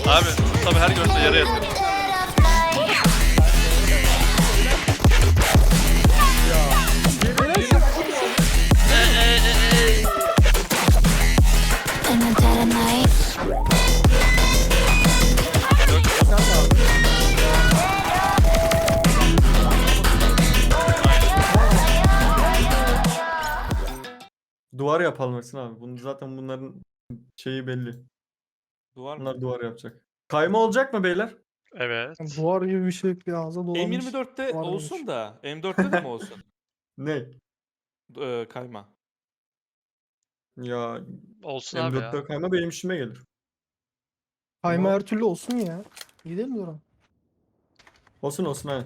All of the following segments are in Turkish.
Abi tabi her görse yere yatıyor. In the dead of night. Duvar yapalım Ersin abi. Bunu zaten bunların şeyi belli. Duvar mı? Bunlar duvar yapacak. Kayma olacak mı beyler? Evet. Duvar gibi bir şey bir ağza dolamış. M24'te Duvar olsun olmuş. da M4'te de mi olsun? Ne? Kayma. Ya Olsun abi ya. M4'te kayma benim işime gelir. Kayma Ama- her türlü olsun ya. İyi değil mi Duran? Olsun olsun aynen.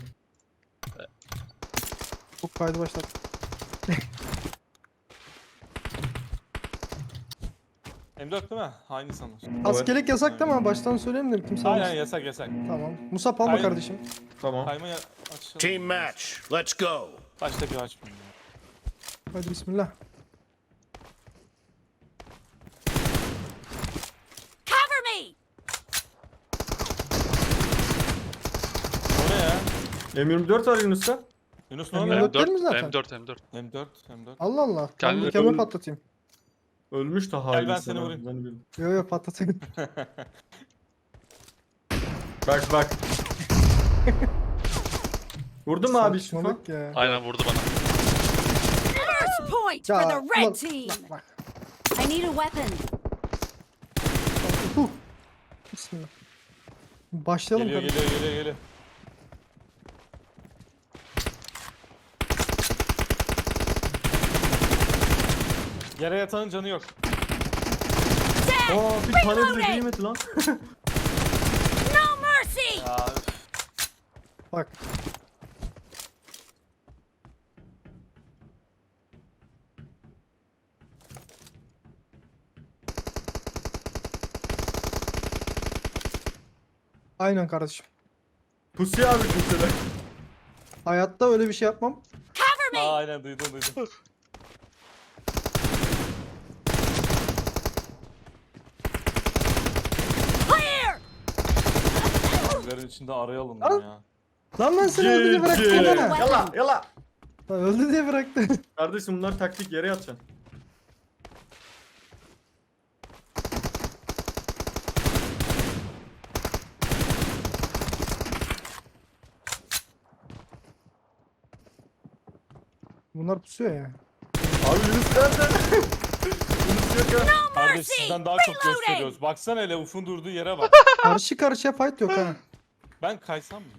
Çok kaydı başlat. M4 değil mi? Aynı sanır. Askerlik yasak değil mi? Baştan söyleyeyim de kimse Aynen almasın. yasak yasak. Tamam. Musab alma Aynen. kardeşim. Tamam. Kayma açalım. Team match. Let's go. Baştaki açmayayım ya. Hadi bismillah. Cover me! O ne ya? M24 var Yunus'ta. Yunus ne M4 oluyor? değil mi zaten? M4. M4. Allah Allah. Ben Kendini- mükemmel patlatayım. Ölmüş de hain. ben sen seni abi, vurayım. ben bildim. Yo yo patlatayım. Bak bak. Vurdun mu abi şifa? Saçmalık ya. Aynen vurdu bana. First point Ya, for the red ulan- team! Bak. I need a weapon. Huh. Bismillah. Başlayalım Geliyor kardeşim. geliyor geliyor geliyor. Yere yatanın canı yok. Aa bir tane bile değmedi lan. No mercy! Ya Bak. Aynen kardeşim. Pusuya abi kimseler. Hayatta öyle bir şey yapmam. Cover me! aynen duydum. Clear! Bunların içinde arayalım Al. ya. Lan ben seni öldü diye bıraktım GG. ha. Yala yala. Lan öldü diye bıraktım. Kardeşim bunlar taktik yere yatacaksın. Bunlar pusuyor ya. Abi Yunus nerede? Yunus yok ya. Kardeş sizden daha çok gösteriyoruz. Baksana hele Uf'un durduğu yere bak. Karşı karşıya fight yok ha. Ben kaysam mı?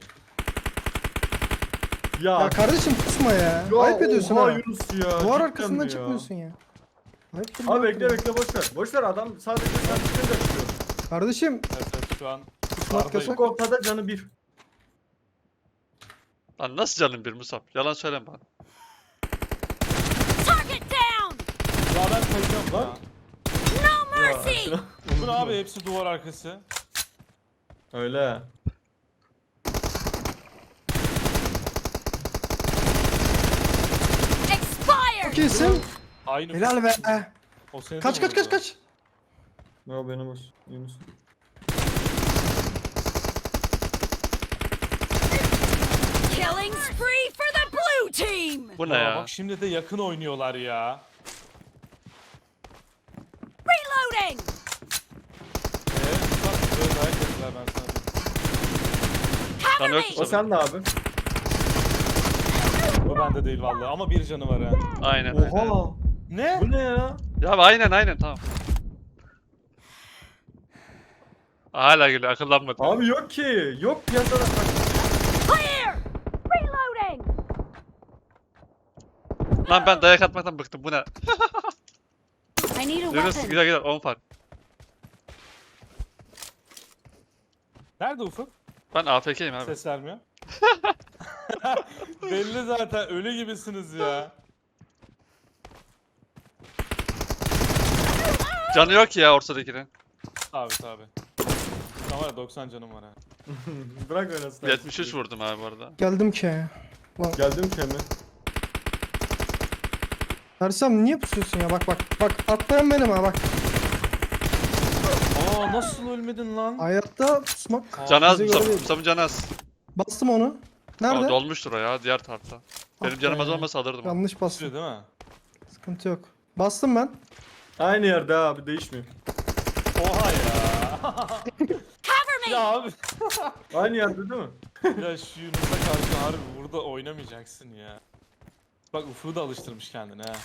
Ya kardeşim pusma ya. Ya Ayıp ediyorsun oha ha. Yunus ya. Duvar cidden arkasından ya. çıkmıyorsun ya. Ayıptır Abi ya. bekle bekle boş ver. Boş ver adam sadece sen çıkınca çıkıyor. Kardeşim Evet şu an pusmak dışarıdayım. yasak. Bu ortada canı bir. Lan nasıl canın bir Musab? Yalan söyleme bana. Target down! Ya ben kayacağım Lan. ya. No mercy! Uf'un abi hepsi duvar arkası. Öyle. Expired! Çok iyisin. Aynı Helal be. O seni de Kaç mi kaç kaç vurdu? kaç. Ya benim olsun. Yunus. Killing spree for the blue team! Bu ne Ya ya? bak şimdi de yakın oynuyorlar ya. Reloading! Bak böyle dayak yediler ben sana diyeyim. Cover Lan yok me! O Musab. sen de abi. O bende değil vallahi ama bir canı var ha. Aynen öyle. Oha. Ne? Bu ne ya? Ya aynen tamam. Hala geliyor akıllanmadı. Abi yok ki. Yok piyasada. Clear! Reloading! Lan ben dayak atmaktan bıktım bu ne? I need a Yunus weapon. güzel 10 fark. Nerede Ufuk? Ben AFK'yim abi. Ses vermiyor. Belli zaten ölü gibisiniz ya. Canı yok ya ortadakinin. Tabi. Şu an var ya 90 canım var ha. Bırak oynasın. 73 vurdum abi bu arada. Geldim ki. Geldim ki hemen. Ersem niye pusuyorsun ya? Bak bak. Bak atlayan benim ha bak. Aa nasıl ölmedin lan? Hayatta pusmak. Canı az bize göre değil. Musab'ın canı az. Bastım onu. O Nerede? dolmuştur o ya diğer tarafta. Benim Ah canım az be. olmasa alırdım. onu. Yanlış bastım. Değil mi? Sıkıntı yok. Bastım ben. Aynı yerde abi değişmiyor. Oha ya. Cover me! Ya abi. Aynı yerde değil mi? Ya şu Yunus'a karşı harbi burada oynamayacaksın ya. Bak Ufuk'u da alıştırmış kendine ha.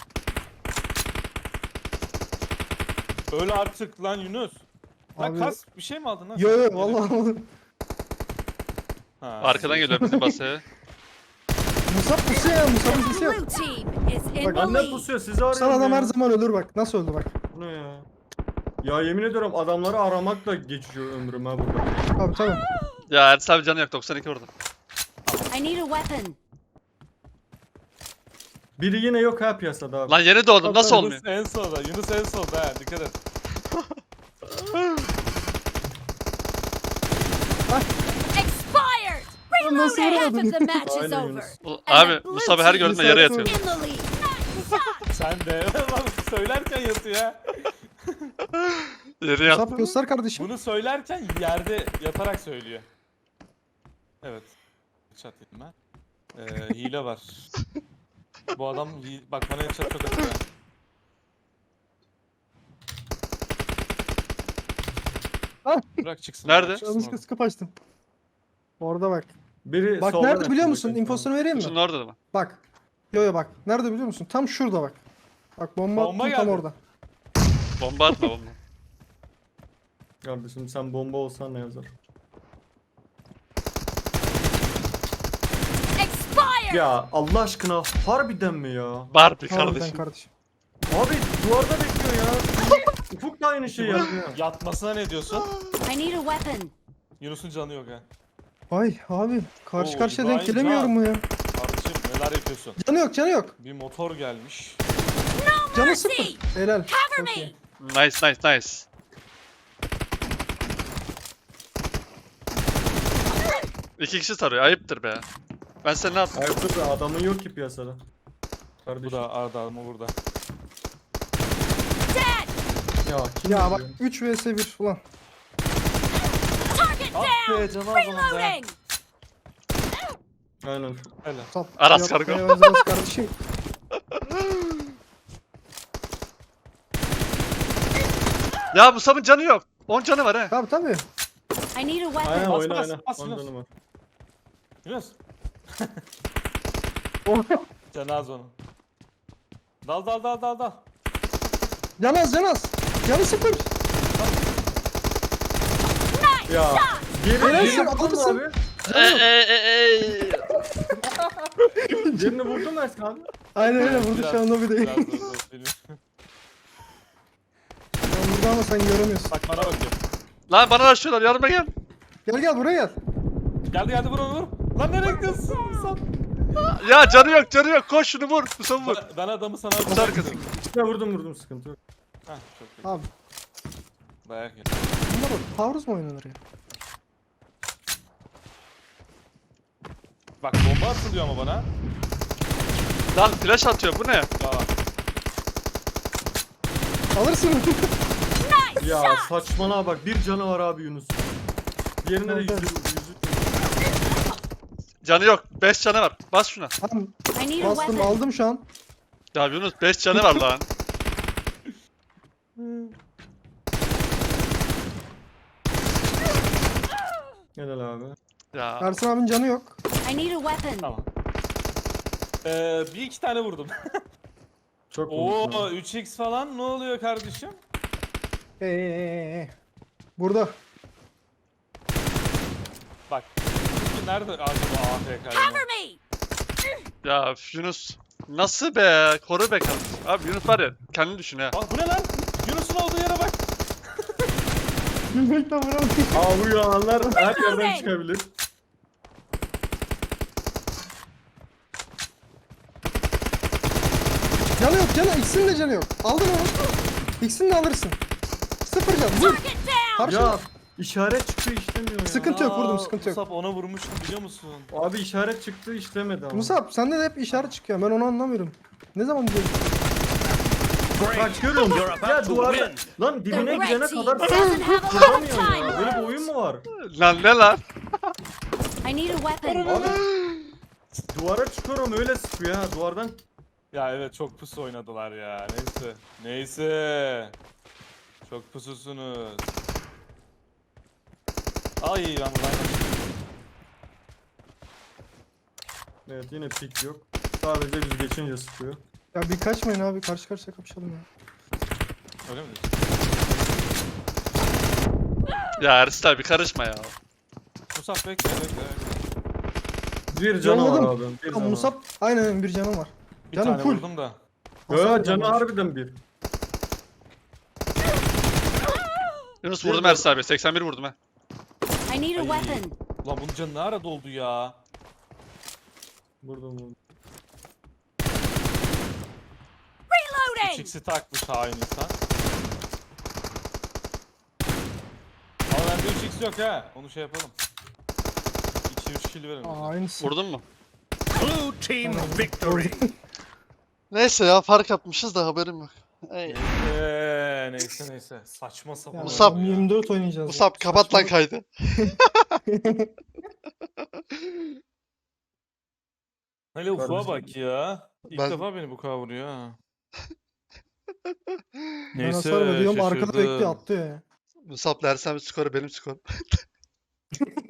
Öyle artık lan Yunus. Lan Abi- kas bir şey mi aldın lan? Yo sen? yo Yelek. vallahi almadım. Ha, Arkadan geliyor bizim basaya. Musab pusuyor ya. Musab'ın sesi yok. Blue team is in Bak, the Annem lead. pusuyor sizi arıyorum Sana adam ya. her zaman ölür bak. Nasıl öldü bak. Bu ne ya? Ya yemin ediyorum adamları aramakla geçiyor ömrüm ha burada. Tabii tabii. Ya Ertuğrul abi canı yok 92 vurdum. I need a weapon. Biri yine yok ha piyasada abi. Lan yeni doğdum nasıl olmuyor? Yunus en solda. Yunus en solda ha dikkat et. Expired! Lan nasıl Reloading! Half vuramadın? of the match is Aynen over. Yunus. Abi Musab'ı her gördüğümde yere Yunus yatıyor. In the lead. Sen de lan söylerken yatıyor ya. Yere yat. Musab göster kardeşim. Bunu söylerken yerde yatarak söylüyor. Evet. Chat dedim ben. Hile var. Bu adam bak bana chat çok atıyor. Ah! Bırak çıksın. Nerede? bırak çıksın Yanlışlıkla oradan. sıkıp açtım. Orada bak. Biri Bak soldan nerede biliyor atıyor, musun? bak. İnfosunu vereyim mi? Kutunun orada da mı? Bak. Yo yo bak. Nerede biliyor musun? Tam şurada bak. Bak bomba, Bomba attım tam geldi. orada. Bomba atma bomba. Kardeşim sen bomba olsan ne yazar? Expired! Ya Allah aşkına harbiden mi ya? Barbie Harbiden kardeşim. kardeşim. Abi duvarda bekliyor ya. Ufuk da aynı şeyi yapıyor. Yatmasına ne diyorsun? I need a weapon. Yunus'un canı yok ha. Ay abi karşı Oo, karşıya İbrahim denk gelemiyorum mu ya? Kardeşim neler yapıyorsun? Canı yok canı yok. Bir motor gelmiş. Canı sıfır. Helal. Cover Çok me! iyi. Nice nice nice. İki kişi tarıyor ayıptır be. Ben sen ne yaptım? Ayıptır da adamın yok ki piyasada. Bu Kardeşim. da Arda mı burada? Dead! Ya kim Ya bak yapıyor? 3 vs 1 ulan. Target Ah down! be canı az onun be. Reloading! Aynen. Hele. Sap. Aras Yapmaya kargo. benzemez kardeşim. Ya Musab'ın canı yok. 10 canı var he. Tabii tabii. I need a Aynen weapon. Bas, oyna bas, oyna. bas, Ondan Yunus. var. Yunus. Oh. Canı az onun. Dal dal dal dal dal. Canaz canaz. Canı sıfır. Ya. Geri Helal geri sana, vurdun mu adamsın. abi? Birini vurdun mu Ersin abi? Aynen öyle vurdu Biraz- şu anda bir de. biraz dur, benim. Ben vurdu ama sen göremiyorsun. Bak bana bakıyor. Lan bana açıyorlar yardıma gel. Gel gel buraya gel. Geldi geldi vur onu vur. Lan nereye gidiyorsun? Sen? Ya canı yok canı yok. Koş şunu vur. Musab'ı vur. Ben adamı sana Musab kızım. İşte vurdum sıkıntı yok. Heh, çok iyi. Abi Dayak yedi. bunlar taarruz mu oynanır ya? Bak bomba atılıyor ama bana. Lan flash atıyor bu ne? Ya Alırsın. Ya saçmana bak bir canı var abi Yunus. Diğerinde de Evet, yüzü. Canı yok. 5 canı var. Bas şuna. Tamam I need a bastım weapon. aldım şu an. Ya Yunus 5 canı var lan. Helal abi. Ya. Ersin abinin canı yok. I need a weapon. tamam. Bir iki tane vurdum. Çok Oo vurdun abi. 3x falan ne oluyor kardeşim? Burada. Bak. Çünkü nerede acaba AFK? Cover me! Ya Yunus. Nasıl be? Koru be kardeşim. Abi Yunus var ya. Kendini düşün ha. Aa bu ne lan? Yunus'un olduğu yere bak. Gülmekten vuramadım. Aa bu yalanlar her yerden çıkabilir. Canı yok canı. İkisinin de canı yok. Aldın onu. İkisini de alırsın. Sıfır can. Vur. Target down! Ya Karşı. işaret çıktı işlemiyor ya. Sıkıntı yok, vurdum, sıkıntı yok. Musab ona vurmuştum biliyor musun? Abi işaret çıktı işlemedi ama. Musab sende de hep işaret çıkıyor. Ben onu anlamıyorum. Ne zaman diyorsun? Bak görüyor You're musun? about Ya to duvarda win. lan The dibine red gidene team kadar doesn't have a lot of vuramıyor ya. time Böyle bir left. oyun mu var? Lan ne lan? I need a weapon. Abi duvara çıkıyorum öyle sıkıyor ha duvardan. Ya evet çok pusu oynadılar ya. Neyse. Neyse. Çok pususunuz. Ay ben buradan Evet yine pik yok. Sadece biz geçince sıkıyor. Ya bir kaçmayın abi, karşı karşıya kapışalım ya. öyle mi? Ya Ersin abi karışma ya. Musab bekle bekle. Bir canı var Yolladım. abi. Bir Ya canı var. Musab aynen bir canım var. Bir Canım tane full. vurdum da. Ya canı harbiden bir. Yunus vurdum Ersin abi. 81 vurdum ha. I need a Ay. weapon. Ulan bunun canı ne ara doldu ya? Vurdum. 3x'i takmış hain insan. Ama bende 3x yok ha. Onu şey yapalım. 2-3 kill verin. bize. Aynısı. Vurdun mu? Blue team victory. Neyse ya fark atmışız da haberim yok. Ey. Neyse. Saçma sapan. Ya, Musab. oyun ya. 24 oynayacağız. Musab kapat lan kaydı. Hele ufuğa Kardeşim. bak ya. İlk Ben- defa beni bu kadar vuruyor ha. Ben hasar veriyorum, arkada bekliyor, atlıyor ya. Musab Ersin abi skoru benim skorum.